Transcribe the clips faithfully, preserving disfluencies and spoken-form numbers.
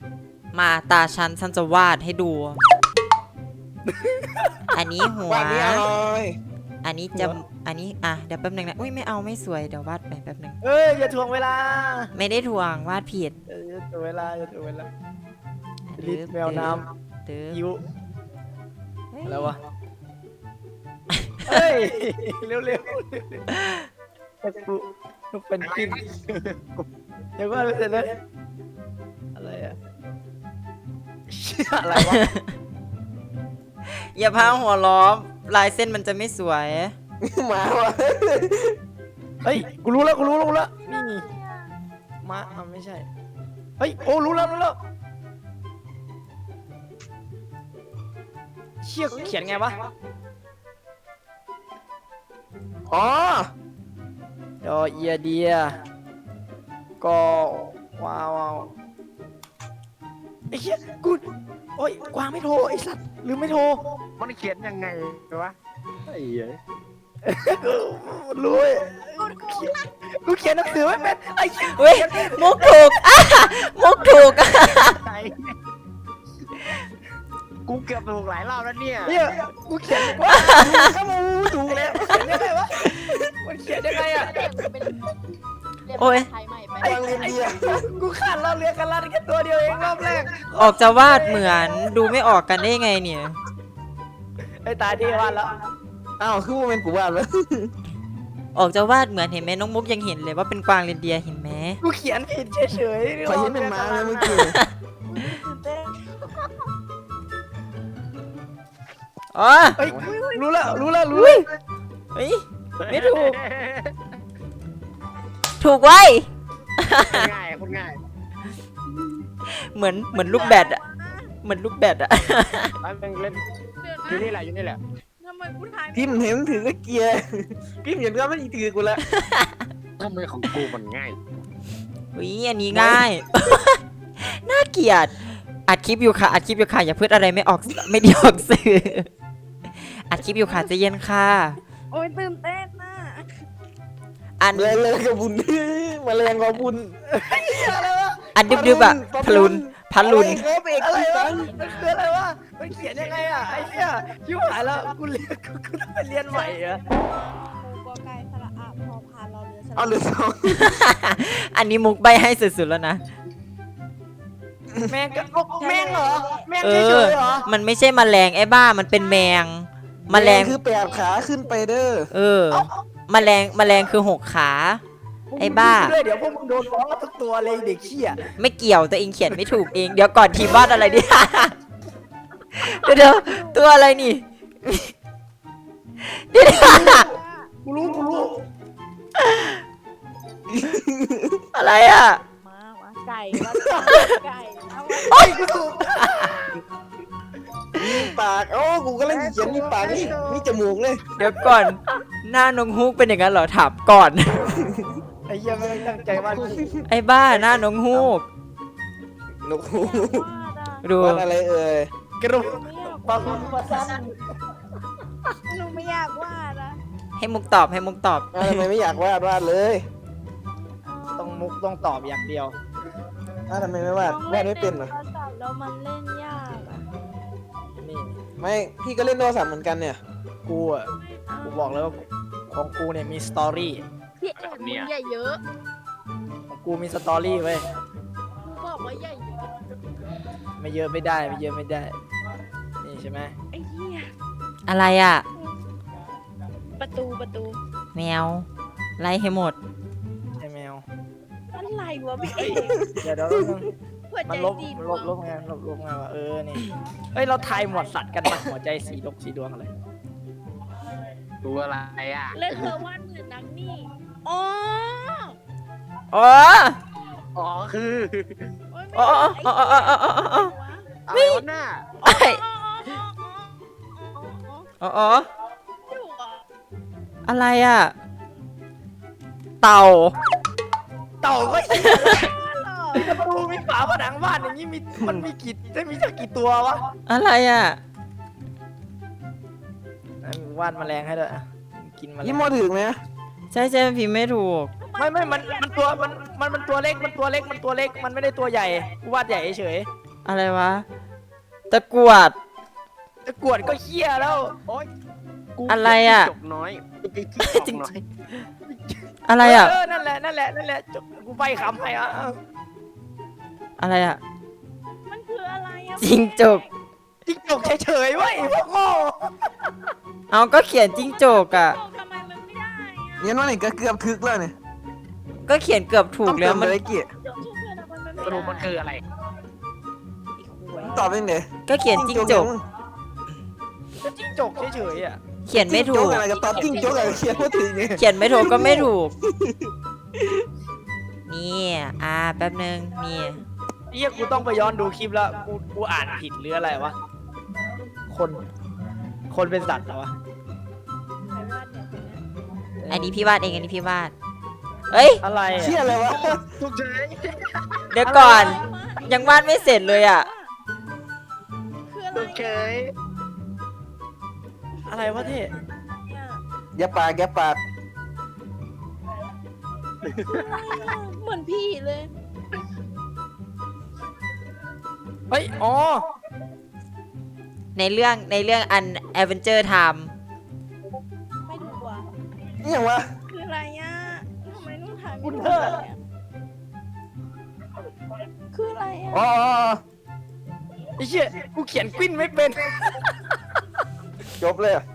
มาตาฉันฉันจะวาดให้ดู อันนี้หัววันนี้อร่อยอันนี้จะอันนี้อ่ะเดี๋ยวแป๊บนึงนะอุ้ยไม่เอาไม่สวยเดี๋ยววาดไปแป๊บนึงเอ้ยอย่าถ่วงเวลาไม่ได้ทวงวาดผิดเอออย่าถ่วงเวลาอย่าถ่วงเวลาลิตแมวน้เด้อำยิ้วเฮ้ยอะไรวะเฮ้ยเร็วๆเร็วแต่กูกูเป็นกินเดี๋ยวก็เสร็จเลยอะไรอะเชี่ยอะไรวะอย่าพาหัวล้อลายเส้นมันจะไม่สวยหมาวะเฮ้ยกูรู้แล้วกูรู้แล้วรู้แล้วนี่มาอ่ะไม่ใช่เฮ้ยโอ้รู้แล้วรู้แล้วเชี่ยเขียนไงวะอ๋อดอเอียเดียก็ว้าวว้าวไอ้เหี้ยกูโอ้ยกวางไม่โทรไอ้สัตว์ลืมไม่โทรมันเขียนยังไงวะไอ้เหี้ยรู้เว้ยกูเขียนหนังสือไม่เป็นไอ้เหี้ยเฮ้ยมุกถูก อ่ะมุกถูก อ่ะไอ้กูเกือบถูกหลายรอบแล้วเนี่ยเนี่ยกูเขียนว่าข้ามูถูกแล้วเขียนยังไงวะมันเขียนยังไงอะโอ้ยไทยใหม่ไปไอ้ไอ้กูขาดเราเรียนกันลัดแค่ตัวเดียวเองรอบแรกออกจะวาดเหมือนดูไม่ออกกันได้ไงเนี่ยไอ้ตายที่วาดแล้วอ้าวคือว่าเป็นกูวาดแล้วออกจะวาดเหมือนเห็นไหมน้องมุกยังเห็นเลยว่าเป็นกวางเรนเดียร์เห็นไหมกูเขียนผิดเฉยๆขอเห็นเป็นม้าเลยเมื่อกี้อ๋อเฮ้ยรู้แล้วรู้แล้วรู้แล้วเฮ้ยไม่ถูก ถูกไว้ง่ายคนง่ายเหมือนเหมือนลูกแบดอะเหมือนลูกแบดอะร้านเล่นเดี๋ยวอยู่นี่นะแหละอยู่นี่แหละทำไมกูทายพิมพ์เห็นถือก็เกียร์พิมพ์เห็นก็ไม่ถือกูแล้วทำไมของกูมันง่ายวิอันนี้ง่าย น่าเกลียดอัดคลิปอยู่ค่ะอัดคลิปอยู่ค่ะอย่าพูดอะไรไม่ออกไม่ดีออกสื่ออัดคลิปอยู่ค่ะใจะเย็นค่ะโอ้ยตื่นเต้นน่ะอันเลยเลยกับบุญมาแรงกับบุญอันดึบๆอะพลุนพันลุนครับเอกอะไรอีวะสันมันคืออะไรวะมันเขียนยังไงอะไอ้เหี้ยชิบหายแล้วกูเรียนกูกูต้องไปเรียนใหม่อะกูก็ไกลสระอาพอพานเราเรือสระเอาเหลือสองอันนี้มุกใบให้สุดๆแล้วนะแม่งก็แม่งเหรอแม่งเอเฉอยๆเหรอมันไม่ใช่แมลงไอ้บ้ามันเป็นแมงแมลงคือแปดขาขึ้นไปเด้อเออแมลงแมลงคือหกขา ไอ้บ้าด้วยเดี๋ยวพวกมึงโดนฟ้องทุกตัวเลยเด็กเขี้ยไม่เกี่ยวตัวเองเขียนไม่ถูกเองเดี๋ยวก่อนทีมวาดอะไรดิ เดี๋ยวเดี๋ยวตัวอะไรนี่ เดี๋ยวกูรู้กูรู้อะไรอ่ะมามาไก่ว่าไก่เอาวะโอ้ยกูถูกมีปากโอ้กูก็เล่นเขียนมีปากนี่มีจมูกเลยเดี๋ยวก่อน หน้านงฮูกเป็นอย่างนั้นเหรอถามก่อนไอ้เหี้ยไม่ได้ตั้งใจวาดไอ้บ้าหน้านงฮูกนกฮูวาดอ่ะดูวาดอะไรเอ่ยกระดูกไม่อยากบางคนมาซ้หนูไม่อยากวาดอ่ะให้มุกตอบให้มุกตอบอ้าวทำไมไม่อยากวาดวาดเลยำต้องมุกต้องตอบอย่างเดียวอ้าวทำไมไม่วาดวาดไม่เป็นเหรอโทรศัพท์แล้วมันเล่นยากอ่ะนี่ไม่พี่ก็เล่นโทรศัพท์เหมือนกันเนี่ยกูอ่ะกูบอกเลยว่าของกูเนี่ยมีสตอรี่พี่เอกมึงอย่าเยอะของกูมีสตอรี่เว้ยกูบอกว่าอย่าเยอะไม่เยอะไม่ได้ไม่เยอะไม่ได้นี่ใช่ไหมไอ้เหี้ยอะไรอ่ะประตูประตูแมว ไล่ให้หมดไอ้แมวอะไรวะพี่เอกเดี๋ยวเดี๋ยวแป๊บนึงหัวมัใจนลบสีลบลบไงลบลบไงวะเออนี่เฮ้ยเราทายหมวดสัตว์กันมาหัวใจสีดกสีดวงอะไรตัวอะไรอ่ะเล่นเธอวาดเหมือนนักนี่อ๋ออ๋ออ๋อคือโอ๊ยอ๋ออ๋ออ๋ออ๋ออ๋ออ๋ออ๋ออะไรวะหน้าไอ้อ๋ออ๋ออ๋ออ๋ออ๋ออ๋อถูกเหรออะไรอ่ะ เต่าเต่าก็หรอมีประตูมีฝาผนังบ้านอย่างนี้มีมันมีกี่ได้มีสักกี่ตัววะอะไรอ่ะวาดแมลงให้ด้วยอ่ะกินแมลยี่งโมถึงไหมใช่ใช่พิมพ์ไม่ถูกไม่ไม่มันมันตัวมันมันมันตัวเล็กมันตัวเล็กมันตัวเล็กมันไม่ได้ตัวใหญ่กูวาดใหญ่เฉยอะไรวะ ตะกรวดตะกรวดก็เหี้ยแล้วโอ๊ยกูอะไรอะจกน้อยจจริกงน้อยอะไรอ่ะเออนั่นแหละนั่นแหละนั่นแหละจบกูใบคำให้อ่ะอะไรอ่ะมันคืออะไรอะจิงจกจิ้งจกเฉยๆเว้ยพวกโง่เอาก็เขียนจิ้งจกอ่ะโจกทำไมมันไม่ได้อะเนี่ยนั่นนี่ก็เกือบถึกแล้วเนี่ยก็เขียนเกือบถูกแล้วมันต้องเติมอะไรเกี่ยโจกชื่อเพื่อนอะมันไม่ได้สรุปมันคืออะไรตอบเป็นเดก็เขียนจิ้งจกก็จิ้งจกเฉยๆอ่ะเขียนไม่ถูจิ้งกจอะไรก็ตอบจิ้งจกอะไรเขียนพูดถึงเนี่ยเขียนไม่ถูกก็ไม่ถูก นี่อ่าแป๊บนึงนี่เฮียกูต้องไปย้อนดูคลิปแล้วกูกูอ่านผิดหรืออะไรวะคนคนเป็นสัตว์เหรอวะใครวาดเนี่ยคนเนี้ยอันนี้พี่วาดเองอันนี้พี่วาดเอ้ยอะไรอะเชี่ยอะไรวะทุกใจเดี๋ยวก่อนอะไรวะยังวาดไม่เสร็จเลยอ่ะคืออะไรทุกใจอะไรวะเท่เนี่ยอย่าปากอย่าปากเหมือนพี่เลยเฮ้ยอ๋อในเรื่องในเรื่องอัน Adventure Time ไม่ถูกว่ะนี่อย่างวะคืออะไรอ่ะทำไมต้องถ่ายคุไม่ณถูเธกออะเนี่ยคืออะไรอ่ะอ๋ออ๋ออ๋อไอ้เชี่ยกูเขียนกวิ้นไม่เป็นจบเลยอะ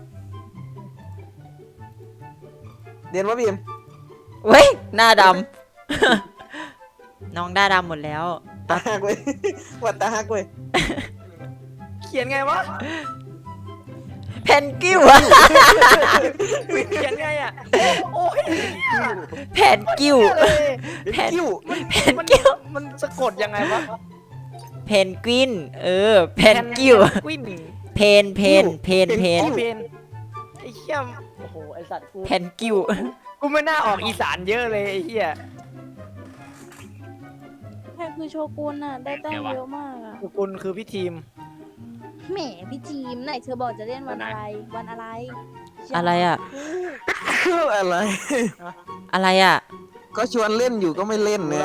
เรียนว่าบีมเว้ย หน้าดำ น้องหน้าดำหมดแล้วตาหักเว้ยวัดตาหักเว้ยเขียนไงวะเพนกิ้วอะเขียนไงอ่ะโอ้ยแผนกิ้วเลยแผนกิ้วแผนมันกิ้วมันสะกดยังไงวะเพนกวิน เออ เพนกิ้วกวินเพนเพนเพนเพนอ๋อเพนไอ้เหี้ยโอ้โหไอ้สัตว์กูเพนกิ้วกูไม่น่าออกอีสานเยอะเลยไอ้เหี้ยใครคือโชกุนอ่ะ ได้แต้มเยอะมากอ่ะกุลคือพี่ทีมแหมพี่ทีมไหนเธอบอกจะเล่นวันอะไร วันอะไรอะไรอ่ะอะไรอะไรอ่ะก็ชวนเล่นอยู่ก็ไม่เล่นเนี่ย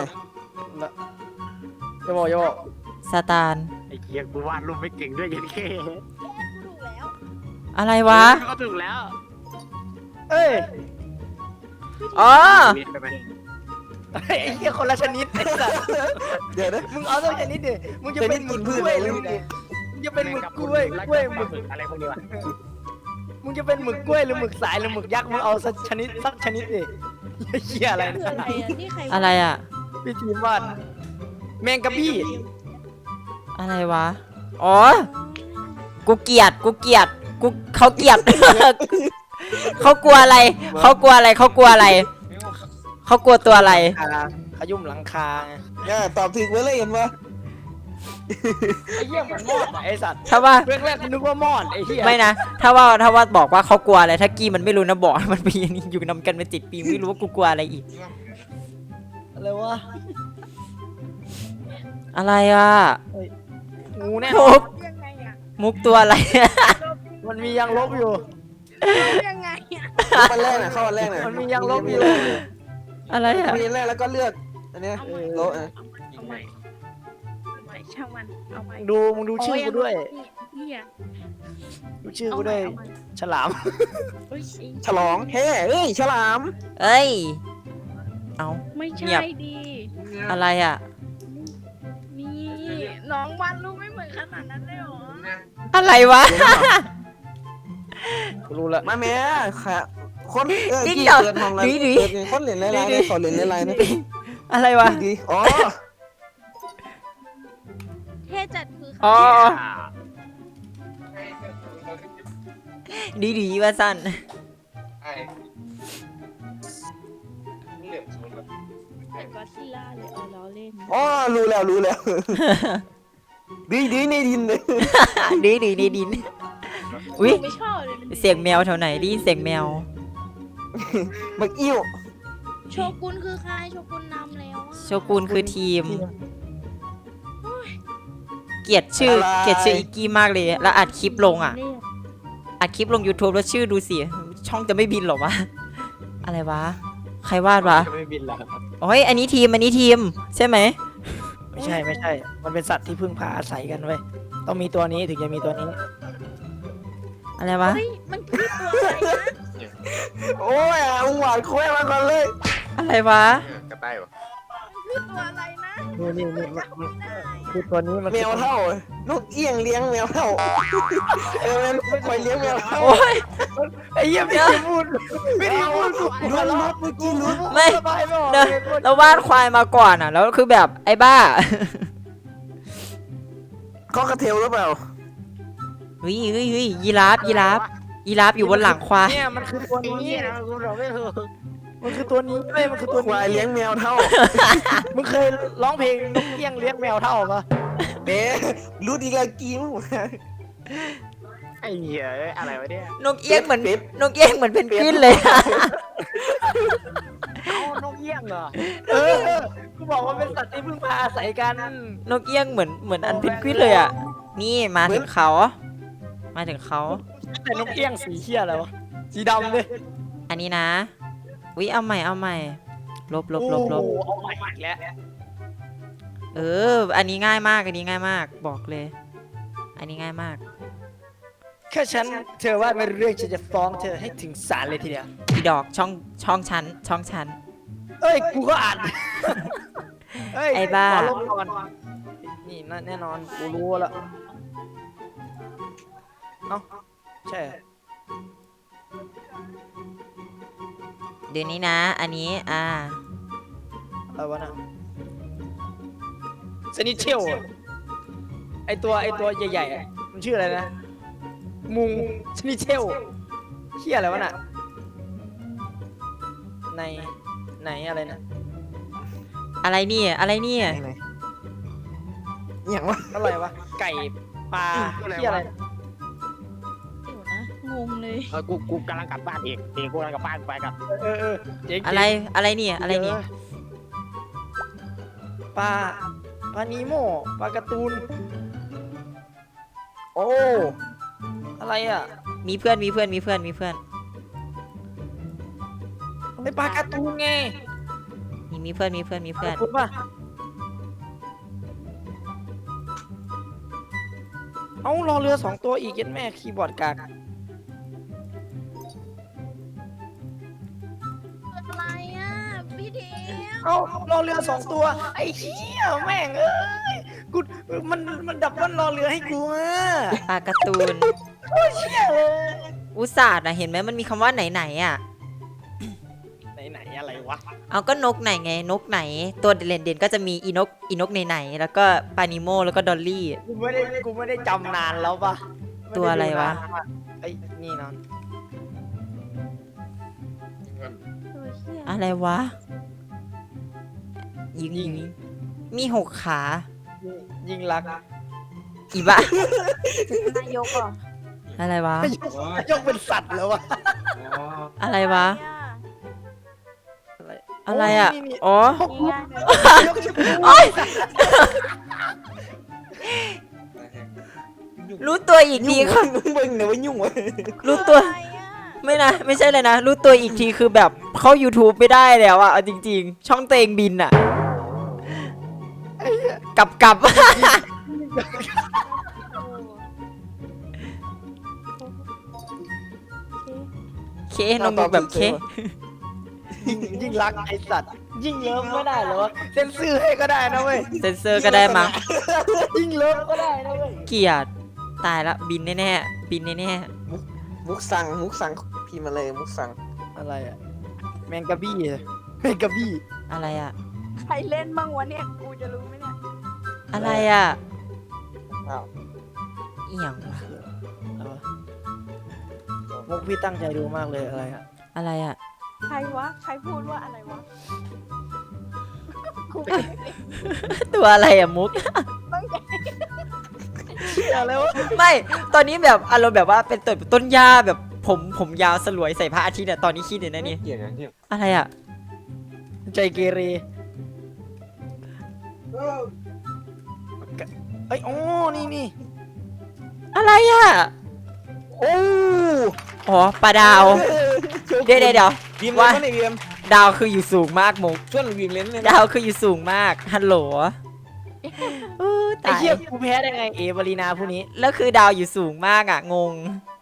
อย่าบอกอย่าบอกสตาร์ไอ้เหี้ยกูวาดรูปไม่เก่งด้วยยันเคถูกแล้วอะไรวะก็ถูกแล้วเอ้ยอ๋อใช่ไหมไอ้เหี้ยคนละชนิดไอ้สัตว์เดี๋ยวนะมึงเอาตัวชนิดดิมึงจะเป็นหมึกกล้วยหรือมึงมึงจะเป็นหมึกกล้วยแล้กล้วยหมึกฝึกอะไรพวกนี้วะมึงจะเป็นหมึกกล้วยหรือหมึกสายหรือหมึกยักษ์มึงเอาสักชนิดสักชนิดดิไอ้เหี้ยอะไรคือนะอะไรอ่ะนี่ใครวาดอะไรอ่ะพี่ทีมวาดแมงกะบี้อะไรวะ อ๋อ กูเกลียด กูเกลียด กูเขาเกลียด เขากลัวอะไร เขากลัวอะไร เขากลัวอะไร เขากลัวตัวอะไรคาขยุ่มหลังคาไงเนี่ยตอบถึงไว้เลยเห็นปะไอ้เหี้ยเหมือนมอดอะไอ้สัตว์ถ้าว่าเรื่องแรกกูนึกว่ามอดไอ้เหี้ยไม่นะ ถ้าว่า ถ้าว่าบอกว่าเขากลัวอะไร ถ้ากี้มันไม่รู้นะบอก มันเป็นอย่างนี้อยู่นำกันเป็นจิตปีไม่รู้ว่ากูกลัวอะไรอีกอะไรวะอะไรอ่ะงูแน่นมุอนกยังไงอ่ะมุกตัวอะไรมันมียางลบอยู่ยังไงอ่ะวันแรกน่ะเข้าวันแรกน่ะมันมียางลบอยู่อะไรอ่ะมีแรกแล้วก็เลือกอันเนี้ยเอาใหม่โละอ่ะเอาใหม่เอาใหม่ช่างมันเอาใหม่ดูมึงดูชื่อกูด้วยนี่อ่ะดูชื่อกูด้วย ฉลามเฮ้ยฉลองเฮ้เอ้ยฉลามเอ้ย เอาไม่เงีใช่ยบดีอะไรอ่ะนี่น้องวาดรูปไม่เหมือนขนาดนั้นเลยเหรออะไรวะกูรู้ละมาแม่ค่ะคนเออจริงกี่เหรอเกิดมองแล้วดุยดุยเกิดไงคนเหรียญลายๆเนี่ยขอเหรียญลายๆนะอะไรวะดีอ๋อเท่จัดคืออ๋ออ่าดีดีว่าสั้นเป็นก็อดซิลล่าเลยเอาล้อเล่นอ๋อรู้แล้วรู้แล้วดีดีในดินเลยดีดีดีดิน อุ้ยหนูไม่ชอบเลยเสียงแมวแถวไหนดีเสียงแมวบักอิ่วโชกุนคือใครโชกุนนำแล้วอะโชกุนคือทีม เกลียดชื่อ เกลียดชื่ออีกกี้มากเลย แล้วอัดคลิปลงอ่ะเนี่ยอัดคลิปลง YouTube แล้วชื่อดูสิ ช่องจะไม่บินหรอวะ อะไรวะใครวาดวะไม่บินแล้วโอ้ยอันนี้ทีมอันนี้ทีมใช่ไหมไม่ใช่ไม่ใช่ มันเป็นสัตว์ที่พึ่งพาอาศัยกันเว้ยต้องมีตัวนี้ถึงจะมีตัวนี้อะไรวะเฮ้ยมันคือตัวอะไรนะโอ้ยอ่ะมึงหวานโค้ยมาก่อนเลยอะไรวะกระต่ายปะมันคือตัวอะไรนะนี่นี่นี่มันมันได้อะคือตัวนี้มันแมวเท่านกเอี้ยงเลี้ยงแมวเท่าเออมันคอยเลี้ยงแมวเท่าโอ้ยไอ้เหี้ยไม่ได้พูดไม่ได้พูดลุ้นลุ้นเมื่อกี้ลุ้นไม่ระบายไม่ออกเดี๋ยวเลยพูดเราวาดควายมาก่อนอ่ะ แล้วคือแบบไอ้บ้าก็กระเทลหรือเปล่าเฮ้ยเฮ้ยเฮ้ยยีราฟยีราฟยีราฟอยู่บนหลังควายเนี่ยมันคือตัวไอ้นี้เหี้ยนะกูบอกไม่ถูกมันคือตัวนี้เว้ยมันคือตัวควายนี้เลี้ยงแมวเท่ามึงเคยร้องเพลงนกเอี้ยงเลี้ยงแมวเท่าปะเบ๊รู้ดีละกิ้วไอ้เหี้ยอะไรวะเนี่ยนกเอี้ยงเหมือนเป็ดนกเอี้ยงเหมือนเพนกวินเลยอะเอานกเอี้ยงเหรอเออกูบอกว่าเป็นสัตว์ที่พึ่งพาอาศัยกันนกเอี้ยงเหมือนเหมือนอันเพนกวินเลยอ่ะนี่มาถึงเขามาถึงเขาแต่นกเอี้ยงสีเขี้ยอะไรวะสีดำเลยอันนี้นะวิเอาใหม่เอาใหม่ลบลบลบลบโอ้โหเอาใหม่อีกแล้วเออ อันนี้ง่ายมากอันนี้ง่ายมากบอกเลย อันนี้ง่ายมากแค่ฉันเธอว่าไม่รู้เรื่องฉันจะฟ้องเธอให้ถึงศาลเลยทีเดียวอีดอกช่องช่องชั้นช่องชั้นเอ้ยกูก็อ่านเอ้ยไอ้บ้าขอลงก่อนนี่น่ะแน่นอนกูรู้แล้วเอ้าใช่เหรอเดี๋ยวนี้นะ อันนี้อ่าอะไรวะน่ะสนิทเชียวอะไอตัวไอตัวใหญ่ๆอะมันชื่ออะไรนะ มุงสนิทเชียวเชี่ยอะไรวะน่ะ ในไหนอะไรนะอะไรเนี่ยอะไรเนี่ยไหนๆอย่างวะอะไรวะ ไก่ปลาเชี่ยอะไรเดี๋ยวนะงงเลยเออกูกูกำลังกลับบ้านเองเองกูกำลังกลับบ้านไปกับเออเออเจ๋งๆอะไรอะไรเนี่ยอะไรเนี่ยปลาปลานีโมปลาการ์ตูนโอ้อะไรอ่ะมีเพื่อนมีเพื่อนมีเพื่อนมีเพื่อนไอปลาการ์ตูนไงมีมีเพื่อนมีเพื่อนมีเพื่อนคุณป่ะเอารอเรือสองตัวอีกยันแม่คีย์บอร์ดกากอะไรอ่ะพี่เดียวเอารอเรือสองตัว ไอ้เหี้ยแม่งเอ้ยกูมันมันดับมันรอเรือให้กูอ่ะปลาการ์ตูนเชี่ยเลยอุตส่าห์นะเห็นไหมมันมีคำว่าไหนไหนๆอ่ะไหนไหนอะไรวะเอาก็นกไหนไงนกไหน ตัวเด่นเด่นๆก็จะมีอีนกอีนกไหนไหนๆแล้วก็ปานิโมแล้วก็ดอลลี่กูไม่ได้กูไม่ได้จำนานแล้วปะตัวอะไรวะไอ้นี่นอนตัวเหี้ยอะไรวะยิงยิงมีหกขายิงรักอีบ้านายกเหรออะไรวะยกเป็นสัตว์แล้ววะอะไรวะอะไรอะไรอ่ะนี่นี่อ๋อนี่ง่ายเลยยกชื่อโอ๊ยรู้ตัวอีกทียุ่งคือมึงเบิ่งเนี่ยว่ายุ่งวะรู้ตัวอะไรอ่ะไม่นะ ไม่ใช่เลยนะ รู้ตัวอีกทีคือแบบเข้า YouTube ไม่ได้แล้วอะเอาจริง ๆ ช่องเตวเองบินอะกลับกลับ เคน้องมุกแบบเคยิ่งยิ่งรักไอสัตว์ ยิ่งเลิฟไม่ได้เหรอวะเซนเซอร์ให้ก็ได้นะเว้ยเซนเซอร์ก็ได้มั้งยิ่งเลิฟก็ได้นะเว้ยเกลียดตายละบินแน่ๆบินแน่มุกสั่งมุกสั่งพี่มาเลยมุกสั่งอะไรอะแมงกะบี้อะแมงกะบี้ๆอะไรอะใครเล่นบ้างวะเนี่ยกูจะรู้ไหมเนี่ยอะไรอะอ้าวอีหยังวะอะไรวะมุกพี่ตั้งใจดูมากเลยอะไรอะอะไรอะใครวะใครพูดว่าอะไรวะกูตัวอะไรอะมุกอะไรวะไม่ตอนนี้แบบอารมณ์แบบว่าเป็นต้นต้นหญ้าแบบผมผมยาวสลวยใส่พระอาทิตย์เนี่ยตอนนี้คิดเลยนะนี่เกลียดอย่างที่อะไรอะใจเกเรเอ้ยโอ้นี่นี่อะไรอะโอ้อ๋อปลาดาว เดี๋ยวเดี๋ยวเดี๋ยวบีมว่าว่าไหนบีมดาวคืออยู่สูงมากมุกส่วนวิ่งเล่นเลยนะดาวคืออยู่สูงมากฮัลโหลอู้ไอ้ตายเหี้ยกูแพ้ได้ไงเอบารีนาผู้นี้แล้วคือดาวอยู่สูงมากอ่ะงง